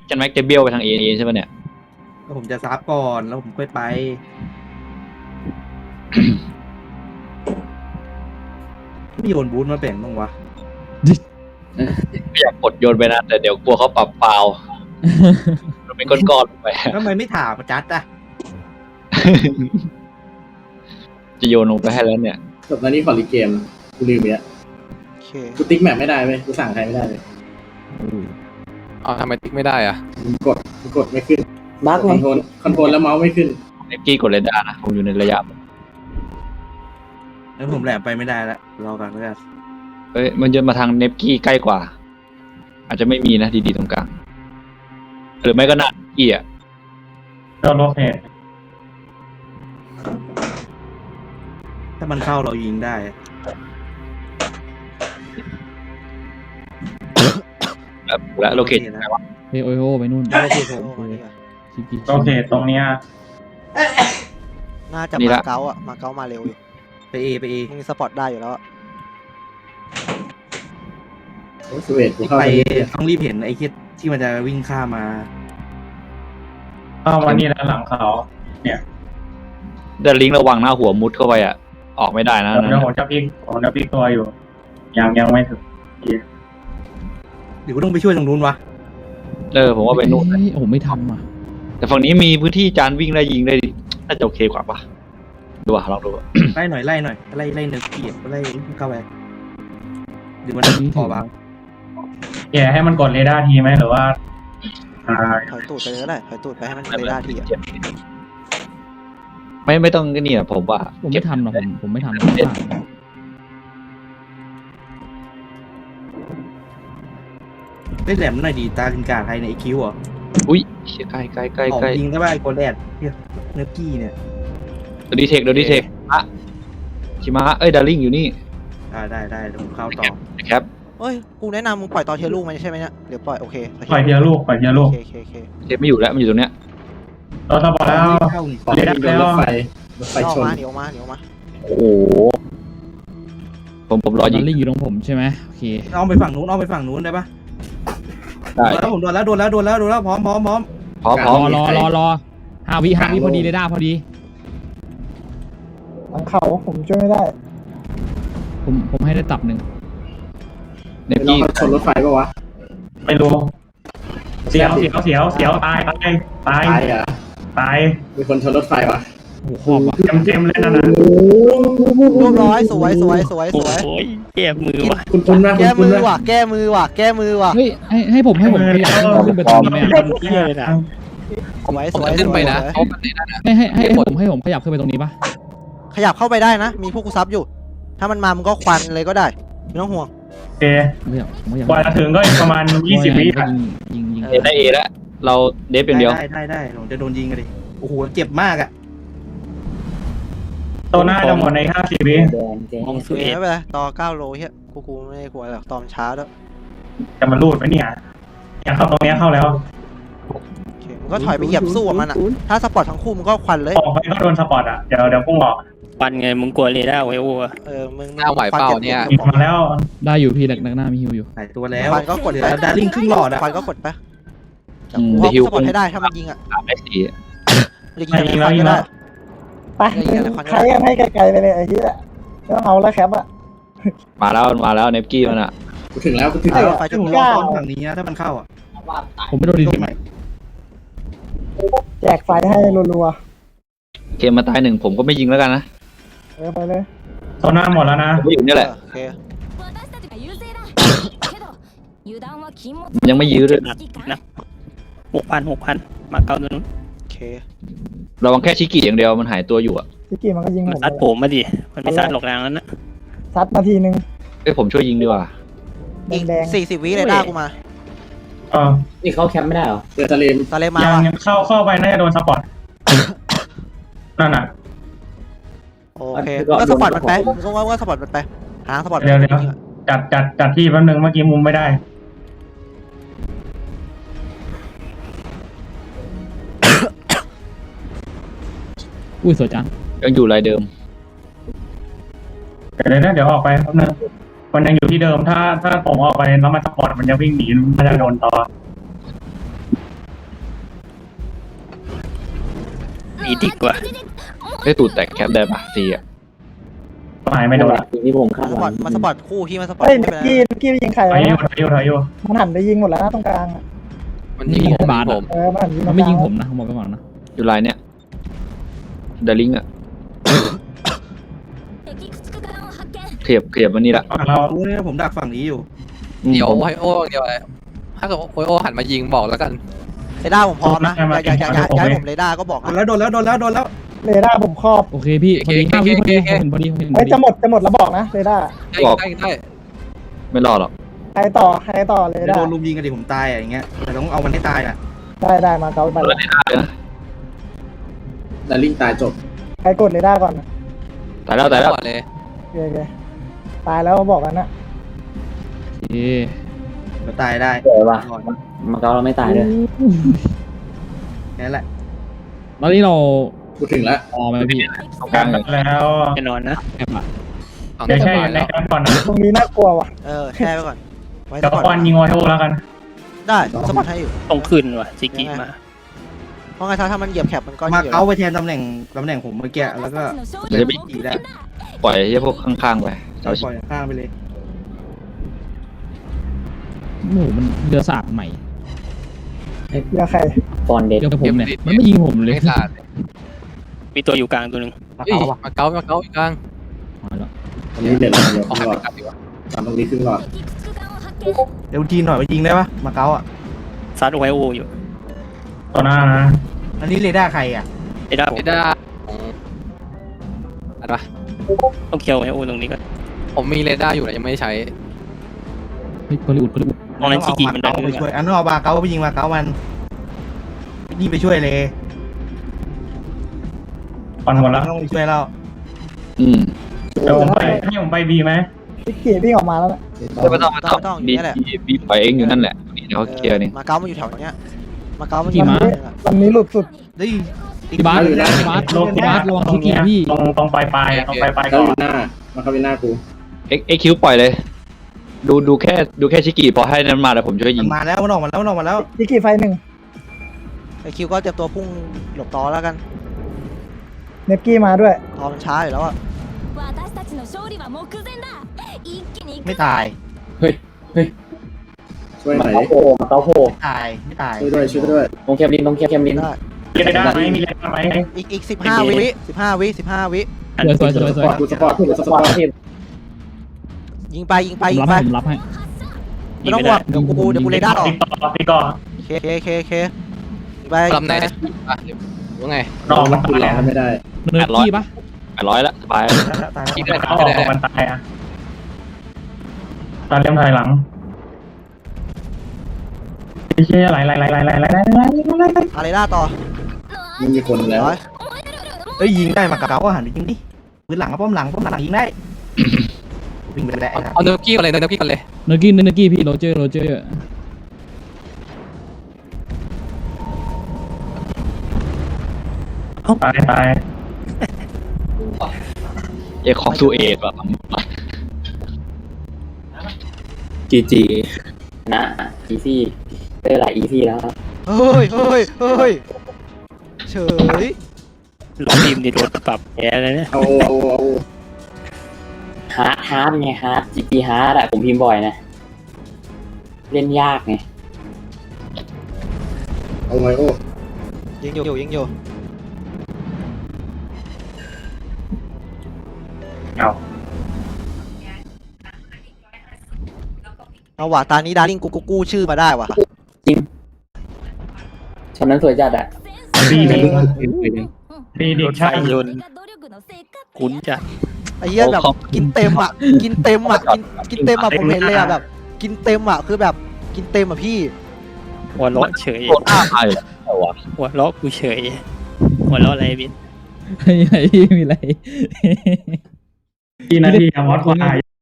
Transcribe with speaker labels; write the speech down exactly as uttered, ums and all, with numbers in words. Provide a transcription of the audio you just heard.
Speaker 1: แม็กจะเบี้ยวไปทางเอใช่ไหมเนี่ย
Speaker 2: ผมจะซับก่อนแล้วผมค่อยไปไม่โยนบูทมาแบ่งบ้างวะ
Speaker 1: ไม่อยากกดโยนไปนะแต่เดี๋ยวกลัวเขาปรับเปล่ามันเป็นก้อนๆไป
Speaker 2: ทำไมไม่ถามจัดอะ
Speaker 1: จะโยนลงไปให้แล้วเนี่ย
Speaker 3: จบแล้วนี่ขอรีเกมกูลืมไปแล้วกูติ๊กแมปไม่ได้เว้ยกูสั่งใครไม่ได้เลย
Speaker 4: อ๋อทำไมติ๊กไม่ได้อ่ะ
Speaker 3: กดกดไม่ขึ้นบั๊กคอนโทรลคอนโทรลแล้วเมาส์ไม่ขึ้น
Speaker 1: เนฟกี้กดเรดาร์นะผมอยู่ในระยะ
Speaker 2: แล้วผมแหลมไปไม่ได้แล้วรอกันแล้วกัน
Speaker 1: เอ้ยมันจะมาทางเนฟกี้ใกล้กว่าอาจจะไม่มีนะดีๆตรงกลางหรือไม่ก็หน้าเกียร์
Speaker 5: เราโลเค
Speaker 2: ถ้ามันเข้าเรายิงได้
Speaker 1: และโลเคชั่นไหนวะ
Speaker 6: เฮ้ยโอ้ยโอ้ไปนู่น
Speaker 5: โอเคโอเคตรงเนี้ย
Speaker 7: น่าจะมาเก๊าอ่ะมาเก๊ามาเร็วอยู่
Speaker 2: ไปเอไปเอ
Speaker 7: มึงสปอร์ตได้อยู่แล้ว
Speaker 3: สเวตกูเข้า
Speaker 2: ไป
Speaker 3: ไป
Speaker 2: ต้องรีบเห็นไอ้คิดที่มันจะวิ่งข้ามมา
Speaker 5: เข้ามานี่แล้วหลังเขาเนี่ย
Speaker 1: เดินลิงระวังหน้าหัวมุดเข้าไปอ่ะออกไม่ได้นะ
Speaker 5: เดี๋ยวผมจะพลิกผมจะพลิกตัวอยู่ยังยังไม่ถึง
Speaker 2: เดี๋ยวกูต้องไปช่วยตรงนู้นวะ
Speaker 1: เออผมว่าไปนู่น
Speaker 6: ผมไม่ทำอ่ะ
Speaker 1: แต่ฝั่งนี้มีพื้นที่จานวิ่งได้ยิงได้น่าจะโอเคกว่าปะดูอ่ะลองดู
Speaker 2: ไล่หน่อยไล่หน่อยไล่ไล่เนื้อเกียร์ไล่เข้าไปหรือมันพอบาง
Speaker 5: แกให้มันกดเรดาร์ทีไหมหรือว่า
Speaker 7: ถอยตูดไปเลยก็ได้ถอยตูดไปให้มันเรดาร์ทีอ่ะ
Speaker 1: ไม่ไม่ต้องนี่อ่ะผมว่า
Speaker 6: ผมไม่ทำหรอกผมผมไม่ทำ
Speaker 2: ได้แหลมหน่อยดีตาลินกาไทยในไอคิวอ่ะ
Speaker 1: อุ้ยใกล้ใกล้ใกล้ใกล้
Speaker 2: ยิงได้ป่ะไอโกลแดดเนี่ยเนื้อกี้เนี่ย
Speaker 1: โดดีเทคโดดีเทคอะชิมะเอ้ยดาริ่งอยู่นี่
Speaker 2: ได้ได้ได้ผมเข้าต่อ
Speaker 1: ครับ
Speaker 7: เฮ้ยกูแนะนำมึงปล่อยตอนเทียลูกมันใช่ไหมเนี่ยเดี๋ยวปล่อยโอเค
Speaker 5: ปล่อยเทียลูกปล่อยเทียลูก
Speaker 7: โอเคโอเคโอเค
Speaker 1: เทปไม่อยู่แล้วมันอยู่ตรงเนี้ย
Speaker 5: เราสปอร์ตแล้ว
Speaker 3: เรดาร์แล้วรถไฟรถไฟชน
Speaker 7: เดี๋ยวมาเดี๋ยวมา
Speaker 1: โอ้โหผมผมรอยิง
Speaker 6: ดาริ่งอยู่ตรงผมใช่ไหมโอเค
Speaker 2: เอาไปฝั่งนู้นเอาไปฝั่งนู้นได้ปะ
Speaker 1: ได้
Speaker 2: แล้วผมโดนแล้วโดนแล้วโดนแล้วโดนแล้วพร้อมพร้อมพร้อม
Speaker 1: พร้อมพร้อม
Speaker 6: รอรอรอห้าวิห้าวิพอดีเลยได้พอดี
Speaker 8: หลังเขาผมช่วยไม่ได้
Speaker 6: ผมผมให้ได้ตับหนึ่ง
Speaker 1: เนฟกี้
Speaker 3: ชนรถไฟป่าวะ
Speaker 5: ไม่รู้เสียวเสียวเสียวเสียวตายตายตาย
Speaker 3: ตายอ่ะ
Speaker 5: ตาย
Speaker 3: มีคนชนรถไฟวะ
Speaker 6: โอ้โห
Speaker 5: เต็มเต็มเลยนะนะ
Speaker 7: เรียบร้อยสวยสวยสวยสวย
Speaker 4: แก้มือว่ะ
Speaker 3: คุณคุณมาก
Speaker 7: แก้มือว่ะแก้มือว่ะแก้มือว่ะ
Speaker 6: เฮ้ยให้ให้ผมให้ผมขยับขึ้นไปตรงนี้ไหม
Speaker 7: สวยสวย
Speaker 4: ขึ้นไปนะ
Speaker 6: ให้ให้ให้ผมให้ผมขยับขึ้นไปตรงนี้ปะ
Speaker 7: ขยับเข้าไปได้นะมีพวกกูซับอยู่ถ้ามันมามึงก็ควันเลยก็ได้ไม่ต้องห่วง
Speaker 5: โอเคกว่าจะถึงก็อีกประมาณยี่สิบวิ
Speaker 6: ยิงยิงยิง
Speaker 1: ได้เอแล้วเราเดฟอย่างเดียว
Speaker 2: ได้ได้ได้ผมจะโดนยิงกันดิโอ้โหเจ็บมากอ่ะ
Speaker 5: ตัวหน้าจะหมดในห้าสิบวิ
Speaker 7: มองสวยไม่เป็นไรต่อเก้าโลเฮียกูกูไม่กลัวหรอกตอนช้าแล้ว
Speaker 5: จะมาลูดไหมเนี่ยอยากเข้าตรงนี้เข้าแล้ว
Speaker 7: มึงก็ถอยไปเหยียบสู้มันอ่ะถ้าสปอร์ตทั้งคู่มึงก็ควันเลย
Speaker 5: ออกไปก็โดนสปอร์ตอ่ะเดี๋ยวเดี๋ยวพุ่งออก
Speaker 4: ควันไงมึงกลัวเรดาร์ไว้โอ้
Speaker 7: เออมึง
Speaker 4: หน้าไหวเปล่าเนี่ย
Speaker 5: มาแล้ว
Speaker 6: ได้อยู่พี่หนักหน้ามีฮิวอยู่
Speaker 2: หายตัวแล้ว
Speaker 7: ควันก็กดไป
Speaker 2: ดาริ่งครึ่งหลอดอ่ะ
Speaker 7: ควันก็กดไปเพราะสปอร์ตให้ได้ถ้ามันยิงอ่ะ
Speaker 1: ไม่สี
Speaker 7: ยิงแล้วยิงแล้ว
Speaker 8: ไปใครยังให้ไกลๆไปเลยไอ้ที่ละแล้วเอาแล้วแคปอะ
Speaker 1: มาแล้วมาแล้วเนฟกี้มันอะ
Speaker 3: กูถึงแล้วกูถึงแล้ว
Speaker 2: ไฟจุดเก้าฝั่งนี้ถ้ามันเข้าอ่ะ
Speaker 6: ผมไม่โดนดีไหม
Speaker 8: แจกไฟให้รัว
Speaker 1: ๆเกมมาตายหนึ่งผมก็ไม่ยิงแล้วกันนะ
Speaker 8: เออไปเลย
Speaker 5: ตัวหน้าหมดแล้วนะ
Speaker 1: ผมอยู่นี่แหละยังไม่ยื้อเลย
Speaker 4: นะหกพันหกพันมาเก้าตัวนู้น
Speaker 7: โอเค
Speaker 1: ระวังแค่ชิกิอย่างเดียวมันหายตัวอยู่อะ
Speaker 8: ชิกิมันก็ยิงผม
Speaker 4: ซัดผมมาดิมันไม่ซัดหลอกแรงนั้นนะ
Speaker 8: ซัดนาทีนึง
Speaker 1: เอ้ยผมช่วยยิงดีกว่า
Speaker 7: อีกสี่สิบวิเลยได้กูมา
Speaker 5: เออ
Speaker 3: นี่เขาแคมป์ไม่ได้เหรอเจอทะเล
Speaker 7: ทะเลมา
Speaker 5: ยังเข้าเข้าไปน่าจะโดนสปอร์ตนั่นน่ะ
Speaker 7: โอเคก็สปอร์ตมันไปก็ว่าว่าสปอร์ตมันไปหาสปอร์ต
Speaker 5: เดี๋ยวเดี๋ยวจัดจัดจัดที่แป๊บนึงเมื่อกี้มุมไม่ได้
Speaker 6: อุ้ยสวยจัง
Speaker 1: ยังอยู่รายเดิม
Speaker 5: เดี๋ยวนะเดี๋ยวออกไปแป๊บนึงมันยังอยู่ที่เดิมถ้าถ้าผมออกไปแล้วมันสปอร์ตมันจะวิ่งหนีมันจะโดนต่อ
Speaker 4: อีดีกว่า
Speaker 1: ได้ตูดแตกแคปได้ปะซีอ่ะ
Speaker 5: หายไม่โดนละ
Speaker 8: ที่ผมคา
Speaker 7: มา
Speaker 8: ด
Speaker 7: ส
Speaker 8: ห
Speaker 7: ปอ
Speaker 8: วั
Speaker 7: ร์ตมาสปอร์ตคู่พี่มาสปอร์ต
Speaker 8: เฮ้ย
Speaker 7: คู่
Speaker 8: นิก
Speaker 7: ไป
Speaker 8: กี้
Speaker 7: นะ
Speaker 8: นิกกี้ไปยิงใคร
Speaker 5: ถอ
Speaker 8: วะ
Speaker 5: ยอยู่ถอยอยู่ถอยอยู่
Speaker 8: มันหันไปยิงหมดแล้วนะตรงกลางอะ
Speaker 6: มันยิงผมบาสอะ
Speaker 8: เออมันหันยิง
Speaker 6: มันไม่ยิงผมนะผมบอกไปก่อนนะ
Speaker 1: อยู่ไลน์เนี่ยเดลิงอ่ะขยับขยับมานี่ละ
Speaker 5: เรา
Speaker 2: รู้เนี่ยผมดักฝั่งนี้อยู่
Speaker 1: อืม
Speaker 9: เดี๋ยว
Speaker 1: ผม
Speaker 9: โอไฮโอเดี๋ยวอะไรถ้าเกิดโอไฮโอหันมายิงบอกแล้วกัน
Speaker 7: เรดาร์ผมพร้อมนะอย่าอย่าอย่าอย่าให้ผมเรดาร์ก็บอก
Speaker 2: โดน
Speaker 7: นะ
Speaker 2: แล้วโดนแล้วโดนแล้วโดนแล้ว
Speaker 8: เรดาร์ผมครอบ
Speaker 6: โอเคพี่พอดีห้าวิพอดีเห็นพอดีเห็นพ
Speaker 8: เฮ้
Speaker 6: อย ดี
Speaker 8: จะหมดจะหมดแล้วบอกนะเรดาร์
Speaker 9: ได้ได้ได้
Speaker 1: ไม่รอดหรอก
Speaker 8: ใครต่อใครต่อเร
Speaker 2: เดี๋ยว
Speaker 8: ดา
Speaker 2: โด
Speaker 8: ร์
Speaker 2: นลุมยิงกันดิผมตายอะอย่างเงี้ยแต่ต้องเอามันให้ตายอ่ะ
Speaker 8: ได้ได้มาเกาไป
Speaker 1: เปิดได้นะ
Speaker 3: แต่ลิงตายจบ
Speaker 8: ใครกดเรดาร์ก่อนนะ
Speaker 1: ตายแล้วตายแล้ว
Speaker 9: ก่อนเลย
Speaker 8: โอเคโอเคตายแล้วบอกกันนะ
Speaker 6: โอเค
Speaker 2: เราตายได้
Speaker 8: เดี๋ยวว่ะ
Speaker 2: ก่อน
Speaker 8: มาเกาเราไม่ตายเลย
Speaker 2: แค่นั้นแหละ
Speaker 6: ตอนนี้เรา
Speaker 3: กูถึงแล้ว
Speaker 6: พอไหมพี่
Speaker 1: ตรงกลางเลย
Speaker 5: แล้ว
Speaker 4: แน่นอนนะ
Speaker 6: แอบอะ
Speaker 9: เอา
Speaker 5: เดี๋ยว
Speaker 9: ส
Speaker 5: แช่
Speaker 9: บาย
Speaker 5: ใน
Speaker 9: แล้ว
Speaker 5: กลางก่อนนะ
Speaker 8: ตรงนี้น่ากลัวว่ะ
Speaker 7: เออแช่ไปก่อนไว้
Speaker 5: เดี๋ยว
Speaker 7: ก่อน
Speaker 5: ควันยิงโอไฮโอแล้วกัน
Speaker 7: ได้สปอร์ตให้อยู่
Speaker 4: ต้องขึ้นว่ะจิกิมา
Speaker 7: เพราะไงถ้าถ้ามันเหยียบแคปมันก็
Speaker 2: มา
Speaker 7: อยู่
Speaker 2: เก้าไปแทนตำแหน่งตำแหน่งผมเมื่อกี้แล้วก็
Speaker 1: เดี๋ยวจะไป
Speaker 2: อีกได้
Speaker 1: ปล่อยให้พวกข้างๆไป
Speaker 2: ป
Speaker 1: เจ้าชิ
Speaker 2: ล่อยข้างไปเลย
Speaker 6: หมูมันเรือสาดใหม่
Speaker 8: เดี๋ยวใคร
Speaker 6: เรือกับผมเนี่ยมันไม่ยิงผมเลย
Speaker 9: ไม่ขาด
Speaker 4: มีตัวอยู่กลางตัวหนึ่ง
Speaker 9: เฮ้ยมาเก้ามาเก้าอีกครั้ง
Speaker 6: มาแล้ว
Speaker 3: ตอนนี้เดือดร้อนเดี๋ยว
Speaker 9: เอา
Speaker 3: ครึ่
Speaker 9: หั
Speaker 3: ง
Speaker 9: น
Speaker 3: หลอด
Speaker 9: ไปกลับดีกว่า
Speaker 3: ตามตรงนี้ครึ่งหลอด
Speaker 2: เดี๋ยวทีหน่อยไปยิงได้ปะมาเก้าอ่ะ
Speaker 4: ซัดโอไฮโออยู่
Speaker 5: ต่อหน้านะ
Speaker 2: อันนี้เรดาร์ใครอ่ะ
Speaker 4: ไอ้ด้าผม
Speaker 9: ไม่ได้อะไรวะ
Speaker 4: ต้องเคลียร์โอไฮโอตรงนี้ก่อน
Speaker 9: ผมมีเรดาร์อยู่แต่ยังไม่ได้ใช้
Speaker 6: เฮ้ยบริอุดบริอุด
Speaker 4: ตรงนั้นจิกิมันดั
Speaker 2: เก้าน ไป
Speaker 4: ขึ้น
Speaker 2: ช่วย
Speaker 4: มา
Speaker 2: อันนอกมาเก้าไปยิงมาเก้ามันยิงไปช่วยเลย
Speaker 5: ก่อนหมดแล้ว
Speaker 2: ต้องไปช่วยเรา
Speaker 1: อืม
Speaker 5: เดี๋ยวผมไปให้ผมไปบีไหม
Speaker 8: นิกกี้วิ่งออกมาแล้วนะ
Speaker 1: ไม่ต้องไม่ต้องดีดีปล่อยเองอยู่นั่นแหละเดี๋ยวเขาเคลียร์นี่
Speaker 7: มาเก๊ามันอยู่แถวเนี้ยมาเก๊ามันอ
Speaker 6: กี่
Speaker 7: ยู่
Speaker 6: ม้า
Speaker 8: ลำนี้หลุดสุด
Speaker 2: เฮ้ย
Speaker 6: พี่บาสพี่บาสพี่บาสระวังชิกิพี่
Speaker 5: ตรงตรงปลายปลายตรงปลายปลาย
Speaker 3: เขา
Speaker 5: ก่อ
Speaker 3: อน ยู่หน้ามาเข้าไปหน้ากู
Speaker 1: เอ็กเอ็กคิวปล่อยเลย ดูดูแค่ดูแค่ชิกิพอให้นั้นมาแล้วผมช่วยยิ
Speaker 2: มั
Speaker 1: ง
Speaker 2: นมาแล้วมันออกมาแล้วมันออกมาแล้ว
Speaker 8: นิกกี้ไฟหนึ่ง
Speaker 7: ไอคิวก็เตรียมตัวพุ่งหลบต่อแล้วกัน
Speaker 8: เนฟกี้มาด้วย
Speaker 7: ตอมันช้าอยู่แล้วอะ
Speaker 2: ไม่ตาย
Speaker 3: ช่วยหน่อย
Speaker 8: โผล่มาเกาโผล่
Speaker 2: ไม่ตายไม่ตาย
Speaker 3: ช่วยด้วยช่วยด้วย
Speaker 8: ตรงแคมลินตรงแคมลิน
Speaker 7: ได้
Speaker 5: มีเรดาร์ไหมมีเรดาร์ไหม
Speaker 7: อีกอีกสิบห้าวิสิบห้าวิสิบห้าวิ
Speaker 6: สวยสวยสวยส
Speaker 3: ส
Speaker 6: วย
Speaker 3: ปอร์ตกูสปอร์ตกูสปอร์ต
Speaker 7: ยิงไปยิงไป
Speaker 6: ผม
Speaker 7: ยิ
Speaker 6: รั
Speaker 7: ง
Speaker 6: บ
Speaker 7: ไป
Speaker 6: ให้ผมรับให้
Speaker 7: ไม่ต้องห่วงเดี๋ยวกูเดี๋ยวกูเรดาร์ออก
Speaker 5: ตีก่อนตีก่อน
Speaker 7: เคเคเคเคยิงไป
Speaker 9: ลำไหนอ่ะหรือไง
Speaker 5: รอมัน
Speaker 3: กู
Speaker 5: ตาย
Speaker 3: ร้อง
Speaker 5: อ่ะ
Speaker 3: ไม่ได้
Speaker 6: เนิร์ดกี้ปะ
Speaker 1: แปดร้อยละสบาย
Speaker 2: ตาย
Speaker 9: ยิง
Speaker 2: แล้ว
Speaker 9: ได้
Speaker 5: เขา
Speaker 9: ก็
Speaker 5: อ
Speaker 9: ได้
Speaker 5: อกมันตายอ่ะตอนเลี้ยงถอยหลังไอ้เชี่ยไหลไหลไหลไหลไหลไหลไหลไหลไหล
Speaker 7: อาเรดาร์ต่อ
Speaker 3: มึงมีคนแล้ว
Speaker 7: ร้อย
Speaker 2: เอ้ยยิงได้มาเก้าหันไปยิงดิปืนหลังกับป้อมหลังป้อมหลังยิงได้วิ่งไปได้
Speaker 9: เอาเนื้อกี้กันเลยเนื้อกี้กันเลย
Speaker 6: เนิร์ดกี้เนิร์ดกี้พี่โรเจอร์โรเจอร์
Speaker 5: ตายตาย
Speaker 1: เอกของซูเอกอะ
Speaker 8: จีจีนะอีซี่ได้หลายอีซี่แล้ว
Speaker 7: เฮ้ยเฮ้ยเฮ้ยเฉย
Speaker 4: ลงทีมดิโดนปรับแพ้เลยเนี่ย
Speaker 3: เอาเอาเอา
Speaker 8: ฮาร์ดฮาร์ดไงฮาร์ดจีจีฮาร์ดอะผมพิมพ์บ่อยนะ เล่นยากไง
Speaker 3: เอาไงโอ้
Speaker 7: ยิงอยู่ยิงอยู่
Speaker 5: เอา
Speaker 7: เอาว่ะตานี้ดาริ่งกูกูกู้ชื่อมาได้ว่ะ
Speaker 8: ช็อตนั้นสวยจัดอะ
Speaker 5: ดีดีดีดีใช่
Speaker 4: โยนคุ้นจัด
Speaker 7: ไอ้เหี้ยแบบกินเต็มอ่ะกินเต็มอ่ะกินกินเต็มอ่ะผมเห็นเลยอ่ะแบบ กินเต็มอ่ะคือแบบกินเต็มอ่ะพี่
Speaker 4: หัวเราะเฉย
Speaker 1: โคตรอ้าไปแต่วะ
Speaker 4: หัวเราะกูเฉยหัวเราะอะไรบิน
Speaker 6: ไม่มีอะไร
Speaker 5: กี่นาทีอะมอสควาย